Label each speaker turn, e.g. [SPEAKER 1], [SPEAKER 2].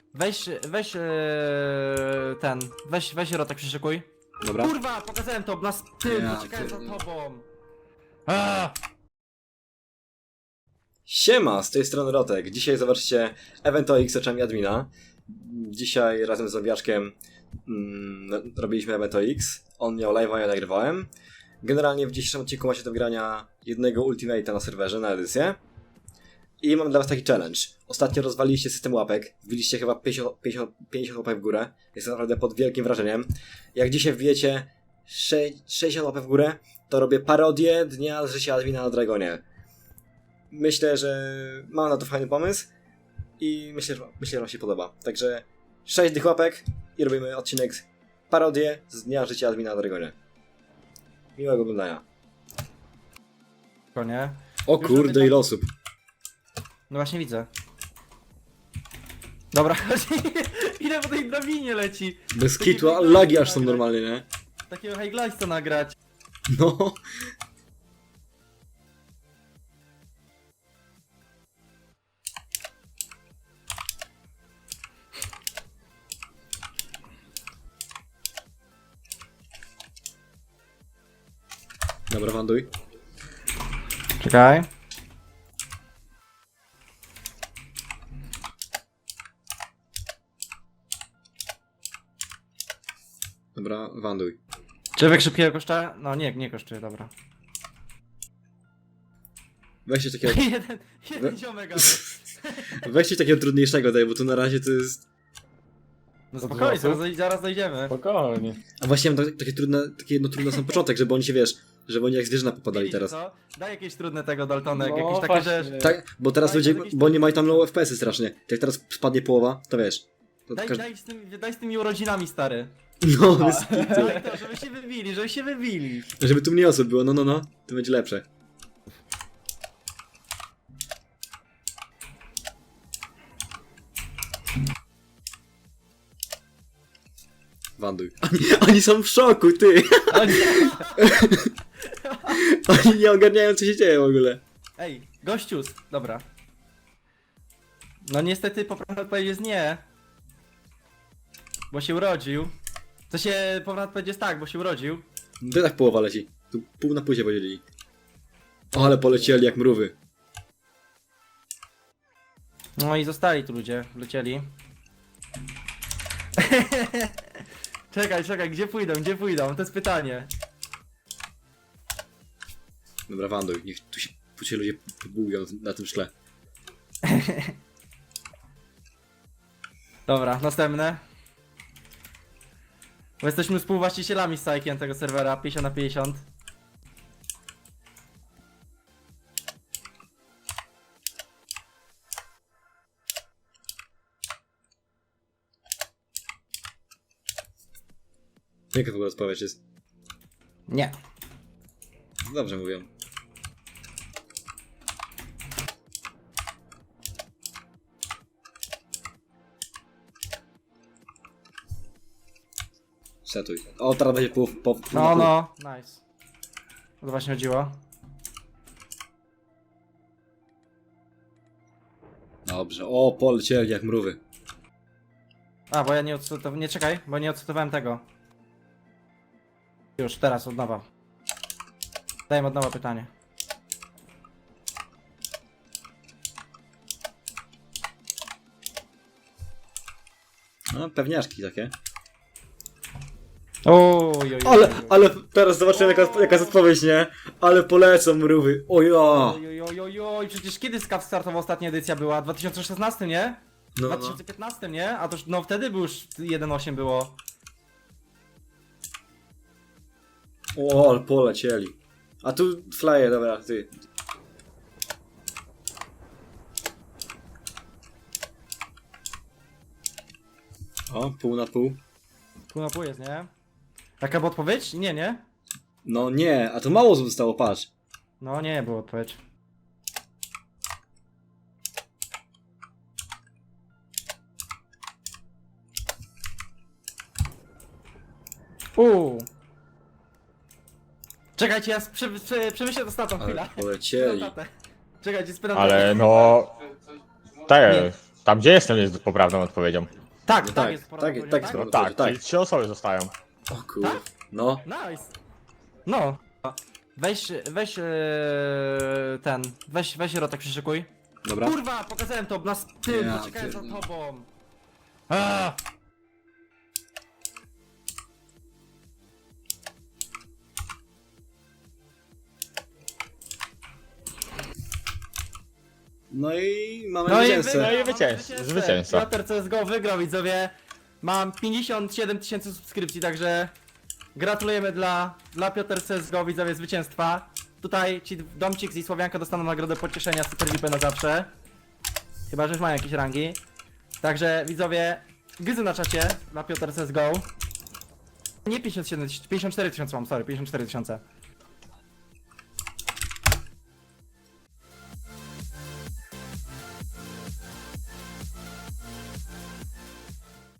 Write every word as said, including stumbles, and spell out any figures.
[SPEAKER 1] Weź, weź ee, ten, weź, weź rotek przyszykuj.
[SPEAKER 2] Dobra.
[SPEAKER 1] Kurwa, pokazałem to, nas tył,
[SPEAKER 2] Ja
[SPEAKER 1] uciekałem za
[SPEAKER 2] pierdolę.
[SPEAKER 1] tobą. Aaaa!
[SPEAKER 2] Siema, z tej strony Rotek. Dzisiaj zobaczcie Evento X oczami admina. Dzisiaj razem z Zombiaczkiem mm, robiliśmy Evento X. On miał live'a, ja nagrywałem. Generalnie w dzisiejszym odcinku macie do grania jednego Ultimate'a na serwerze, na edycję. I mam dla was taki challenge. Ostatnio rozwaliliście system łapek. Wbiliście chyba pięćdziesiąt, pięćdziesiąt, pięćdziesiąt łapek w górę. Jestem naprawdę pod wielkim wrażeniem. Jak dzisiaj wbijecie sześćdziesiąt łapek w górę, to robię parodię Dnia z życia admina na Dragonie. Myślę, że mam na to fajny pomysł i myślę, że, myślę, że wam się podoba. Także sześć tych łapek i robimy odcinek parodię z Dnia życia admina na Dragonie. Miłego oglądania.
[SPEAKER 1] Nie?
[SPEAKER 2] O
[SPEAKER 1] Już
[SPEAKER 2] kurde,
[SPEAKER 1] robię
[SPEAKER 2] ile osób.
[SPEAKER 1] No właśnie widzę. Dobra, ile po tej drabinie leci.
[SPEAKER 2] Bez
[SPEAKER 1] Takie
[SPEAKER 2] kitu, a
[SPEAKER 1] high
[SPEAKER 2] lagi
[SPEAKER 1] glidesa
[SPEAKER 2] aż są
[SPEAKER 1] nagrać.
[SPEAKER 2] normalnie, nie?
[SPEAKER 1] Takiego high glidesa nagrać.
[SPEAKER 2] No. Dobra, wanduj.
[SPEAKER 1] Czekaj.
[SPEAKER 2] Dobra, wanduj.
[SPEAKER 1] Człowiek szybkiego kosztuje? No nie, nie kosztuje, dobra.
[SPEAKER 2] Weźcie takiego,
[SPEAKER 1] jeden, jeden ziomek. ale-
[SPEAKER 2] weźcie takiego trudniejszego daj, bo tu na razie to jest...
[SPEAKER 1] No spokojnie, zaraz, doj- zaraz dojdziemy.
[SPEAKER 3] Spokojnie.
[SPEAKER 2] A właśnie mam tak, takie trudne, takie jedno trudne sam początek, żeby oni się, wiesz, żeby oni jak zwierzyna popadali
[SPEAKER 1] Widzicie,
[SPEAKER 2] teraz.
[SPEAKER 1] co? Daj jakieś trudne tego Daltonek,
[SPEAKER 3] No,
[SPEAKER 1] jakieś takie
[SPEAKER 3] właśnie.
[SPEAKER 1] rzeczy.
[SPEAKER 2] Tak, bo teraz
[SPEAKER 1] Daj,
[SPEAKER 2] ludzie,
[SPEAKER 1] to jakieś
[SPEAKER 2] bo oni mają tam
[SPEAKER 1] trudne
[SPEAKER 2] low F P S-y strasznie. Jak teraz spadnie połowa, to wiesz. To
[SPEAKER 1] Daj,
[SPEAKER 2] każdy...
[SPEAKER 1] daj, z tym, daj z tymi urodzinami, stary.
[SPEAKER 2] No, bez kitu.
[SPEAKER 1] Daj to, żeby się wybili, żeby się wybili.
[SPEAKER 2] Żeby tu mniej osób było, no, no, no, to będzie lepsze. Wanduj. Oni, oni są w szoku, ty! Oni nie ogarniają, co się dzieje w ogóle.
[SPEAKER 1] Ej, gościus, dobra. No niestety poprawna odpowiedź jest nie. Bo się urodził. To się poprawna odpowiedź jest tak, bo się urodził.
[SPEAKER 2] No to tak połowa leci. Tu pół na pół się podzielili. O, ale polecieli jak mrówy.
[SPEAKER 1] No i zostali tu ludzie, lecieli. Czekaj, czekaj, gdzie pójdą, gdzie pójdą? To jest pytanie.
[SPEAKER 2] Dobra, wanduj, niech tu się, tu się ludzie pobują na tym szkle.
[SPEAKER 1] Dobra, następne. Bo jesteśmy współwłaścicielami z Sajkiem tego serwera, pięćdziesiąt na pięćdziesiąt.
[SPEAKER 2] Jaka w ogóle odpowiedź jest?
[SPEAKER 1] Nie.
[SPEAKER 2] Dobrze mówią. Setuj. O, teraz będzie pół, po, pół na
[SPEAKER 1] No,
[SPEAKER 2] pół.
[SPEAKER 1] no, nice. O to właśnie chodziło.
[SPEAKER 2] Dobrze. O, polecieli jak mrówy.
[SPEAKER 1] A, bo ja nie odcytowałem, nie czekaj, bo nie odcytowałem tego. Już, teraz, od nowa. Dajmy od nowa pytanie.
[SPEAKER 2] No, pewniaczki takie.
[SPEAKER 1] Oj, oj,
[SPEAKER 2] Ale, ale teraz zobaczymy jaka, jaka jest odpowiedź, nie? Ale polecą mrówy. O ja!
[SPEAKER 1] Oj, oj, oj, oj, przecież kiedy Skaw startował ostatnia edycja była? W dwa tysiące szesnastym, nie? W
[SPEAKER 2] No,
[SPEAKER 1] dwa
[SPEAKER 2] no.
[SPEAKER 1] tysiące piętnastym, nie? A to już, no wtedy był już jeden osiem było.
[SPEAKER 2] O, ale polecieli. A tu flyer, dobra, ty. O, pół na pół.
[SPEAKER 1] Pół na pół jest, nie? Jaka była odpowiedź? Nie, nie?
[SPEAKER 2] No nie, a to mało zostało, patrz.
[SPEAKER 1] No nie, była odpowiedź. Uuu. Czekajcie, ja prze, prze, przemyślę to statą
[SPEAKER 2] Ale
[SPEAKER 1] chwilę.
[SPEAKER 2] polecieli.
[SPEAKER 1] Czekajcie, spytam.
[SPEAKER 3] Ale no... Tak,
[SPEAKER 1] Nie.
[SPEAKER 3] Tam gdzie jestem jest poprawną odpowiedzią.
[SPEAKER 1] Tak,
[SPEAKER 2] No
[SPEAKER 1] tak,
[SPEAKER 2] tak,
[SPEAKER 1] jest
[SPEAKER 2] tak,
[SPEAKER 1] poprawna
[SPEAKER 2] tak,
[SPEAKER 1] odpowiedź,
[SPEAKER 2] tak.
[SPEAKER 3] No tak,
[SPEAKER 2] tak.
[SPEAKER 3] czyli trzy osoby zostają.
[SPEAKER 2] O kurde.
[SPEAKER 1] Tak?
[SPEAKER 2] No.
[SPEAKER 1] Nice. No. Weź, weź ee, ten, weź, weź Rotek przyszykuj.
[SPEAKER 2] Dobra.
[SPEAKER 1] Kurwa, pokazałem to na tył,
[SPEAKER 2] Ja
[SPEAKER 1] uciekałem za
[SPEAKER 2] pierdolę.
[SPEAKER 1] tobą. Aaa.
[SPEAKER 2] No i mamy
[SPEAKER 1] No i
[SPEAKER 2] zwycięzcę.
[SPEAKER 1] wygrał,
[SPEAKER 3] No i
[SPEAKER 1] mamy
[SPEAKER 3] zwycięzcę, zwycięzca.
[SPEAKER 1] Piotr C S G O wygrał, widzowie. Mam pięćdziesiąt siedem tysięcy subskrypcji, także gratulujemy dla, dla Piotr C S G O, widzowie, zwycięstwa. Tutaj ci Domcik i Słowianka dostaną nagrodę pocieszenia Super V I P na zawsze. Chyba, że już mają jakieś rangi. Także widzowie, gryzy na czacie dla Piotr C S G O. Nie pięćdziesiąt siedem, pięćdziesiąt cztery tysiące mam, sorry, pięćdziesiąt cztery tysiące.